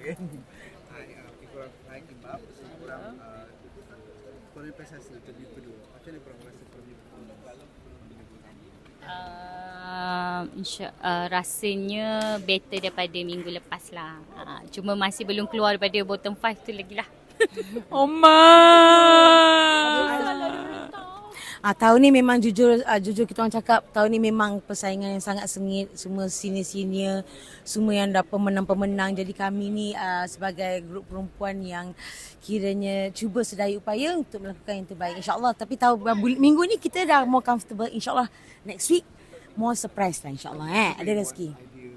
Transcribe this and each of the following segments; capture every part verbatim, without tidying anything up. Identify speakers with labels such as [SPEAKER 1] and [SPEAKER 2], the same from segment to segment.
[SPEAKER 1] kan. Hai, uh, korang hai kimbap, korang uh, korang prestasi interview kedua. Macam mana korang rasa interview pertama?
[SPEAKER 2] Uh, insya, uh, rasanya better daripada minggu lepas lah. Uh, cuma masih belum keluar daripada bottom five tu lagi lah.
[SPEAKER 3] Oma.
[SPEAKER 4] Ah, tahun ni memang jujur ah, jujur kita orang cakap tahun ni memang persaingan yang sangat sengit, semua senior-senior, semua yang dah pemenang-pemenang. Jadi kami ni ah, sebagai grup perempuan yang kiranya cuba sedaya upaya untuk melakukan yang terbaik insya-Allah. Tapi tahu minggu ni kita dah more comfortable insya-Allah. Next week more surprise lah insya-Allah eh. Ada rezeki.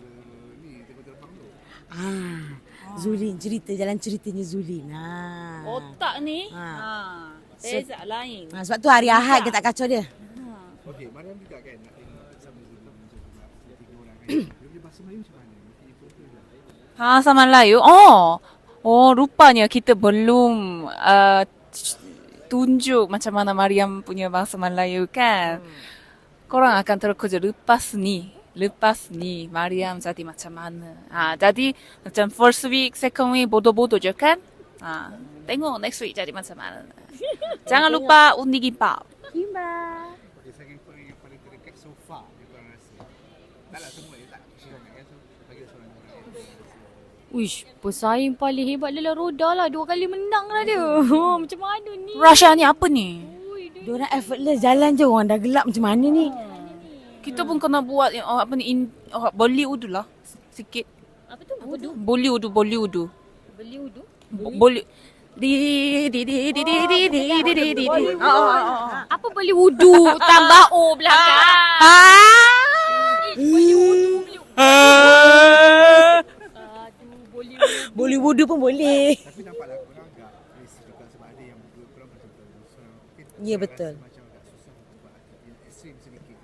[SPEAKER 4] Ah, Zulin cerita jalan ceritanya Zulin. Ha.
[SPEAKER 3] Otak ni.
[SPEAKER 4] Ha.
[SPEAKER 3] Ha. Tezak so, lain.
[SPEAKER 4] Ha, sebab tu hari Ahad kita tak kacau dia.
[SPEAKER 1] Okey, Mariam juga kan nak tengok sama Zulin macam tiga orang kan. Dia punya bahasa Melayu macam mana? Mesti ikut tu lah.
[SPEAKER 3] Bahasa Melayu. Oh. Oh, rupanya kita belum uh, tunjuk macam mana Mariam punya bahasa Melayu kan. Hmm. Korang akan terkejut lepas ni. Lepas ni Mariam jadi macam mana. Ha, jadi macam first week, second week bodoh-bodoh je kan. Ha, tengok next week jadi macam mana. Jangan lupa undi kimbap.
[SPEAKER 2] Kimbap.
[SPEAKER 1] Okey, saya korang yang paling terdekat so far yang korang rasa. Taklah semua dia tak sangat kan. So bagi seorang orang.
[SPEAKER 2] Uish, pesaing paling hebat adalah Roda lah. Dua kali menang lah dia. Oh, macam mana ni?
[SPEAKER 3] Rasha ni apa ni?
[SPEAKER 4] Diorang effortless jalan je orang dah gelap macam mana ni.
[SPEAKER 3] Kita pun kena buat oh, apa ni in, oh, Bollywood lah sikit.
[SPEAKER 2] Apa tu? Wudu.
[SPEAKER 3] Bollywood, Bollywood.
[SPEAKER 2] Beli wudu.
[SPEAKER 3] Boleh di di di di di di di di di di.
[SPEAKER 2] Apa beli wudu? Tambah O belakang. Beli wudu. Aduh, boleh wudu.
[SPEAKER 4] Boleh wudu pun boleh.
[SPEAKER 1] Tapi nampaklah korang agak risih juga sebab ada yang berdua korang macam berusaha.
[SPEAKER 4] Ya betul.
[SPEAKER 1] Macam agak susah sebab yang ekstrim sedikit.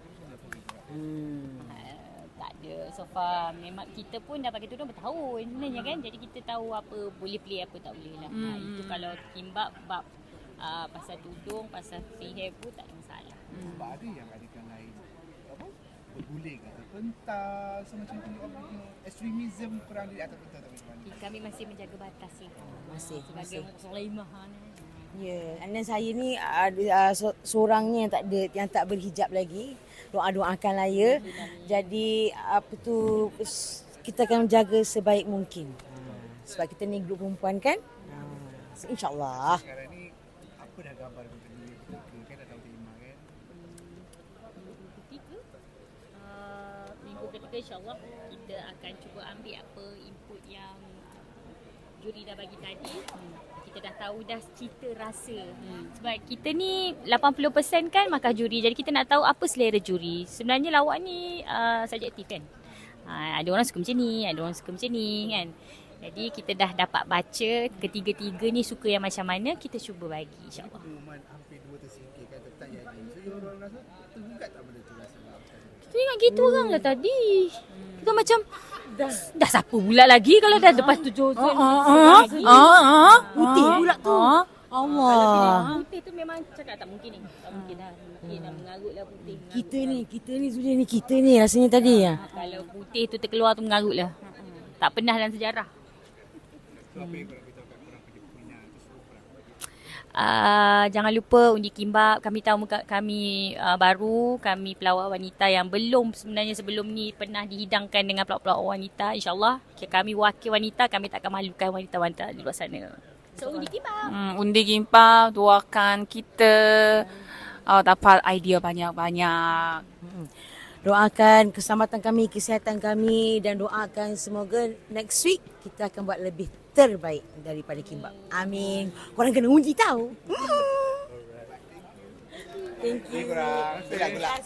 [SPEAKER 4] Hmm.
[SPEAKER 2] Uh, tak ada. So far memang kita pun dah pakai tudung bertahun sebenarnya kan. Jadi kita tahu apa boleh play apa tak boleh lah. Hmm. Ha, itu kalau kimbap bab uh, pasal tudung, pasal free hair pun tak ada masalah.
[SPEAKER 1] Hmm. Sebab ada yang adikan lain apa? Berguling atau pentas macam tu. Ekstremism korang di atas pentas tak macam
[SPEAKER 2] Kami masih menjaga batas lah.
[SPEAKER 4] Masih,
[SPEAKER 2] Sebagai
[SPEAKER 4] masih.
[SPEAKER 2] Muslimah ni.
[SPEAKER 4] Ya, yeah. And then saya ni uh, uh, seorangnya yang tak ada yang tak berhijab lagi. Doa-doakanlah ya. Jadi apa tu kita akan menjaga sebaik mungkin. Sebab kita ni grup perempuan kan? So, InsyaAllah.
[SPEAKER 1] sekarang ni apa dah gambar untuk ni kan dah tahu tema kan?
[SPEAKER 2] Minggu ketiga, uh, minggu ketiga insyaAllah kita akan cuba ambil apa input yang juri dah bagi tadi. Hmm. Kita dah tahu dah cita rasa. Hmm. Sebab kita ni lapan puluh peratus kan markah juri. Jadi kita nak tahu apa selera juri. Sebenarnya lawak ni uh, subjektif kan. Uh, ada orang suka macam ni, ada orang suka macam ni kan. Jadi kita dah dapat baca ketiga-tiga ni suka yang macam mana, kita cuba bagi insyaAllah.
[SPEAKER 1] Pengumuman hampir dua tersingkirkan tetap jadi. So orang rasa tergugat tak benda tu rasa lah.
[SPEAKER 2] Kita ingat gitu hmm. orang lah tadi. Kita macam dah, dah siapa pula lagi kalau dah lepas tujuh
[SPEAKER 3] Ah ah ah.
[SPEAKER 4] Putih pula tu. Allah.
[SPEAKER 2] Putih tu memang cakap tak mungkin ni. Tak mungkin lah. Mungkin dah mengarut lah putih. Mengarut
[SPEAKER 4] Kita
[SPEAKER 2] lah.
[SPEAKER 4] ni, kita ni Zulia ni, kita ni rasanya tadi ya.
[SPEAKER 2] Kalau putih tu terkeluar tu mengarut lah. Tak pernah dalam sejarah.
[SPEAKER 1] So apa yang korang beritahu kat korang pada peminat tu semua korang?
[SPEAKER 2] Uh, jangan lupa undi kimbap. Kami tahu muka kami uh, baru. Kami pelawak wanita yang belum sebenarnya sebelum ni pernah dihidangkan dengan pelawak-pelawak wanita. InsyaAllah kami wakil wanita. Kami tak akan malukan wanita-wanita di luar sana. So undi kimbap.
[SPEAKER 3] Hmm, undi kimbap, doakan kita oh, dapat idea banyak-banyak.
[SPEAKER 4] Hmm. Doakan keselamatan kami, kesihatan kami dan doakan semoga next week kita akan buat lebih terbaik daripada kimbap. Amin. Korang kena undi tahu.
[SPEAKER 1] Thank you. Terima kasih korang. Gelak-gelak.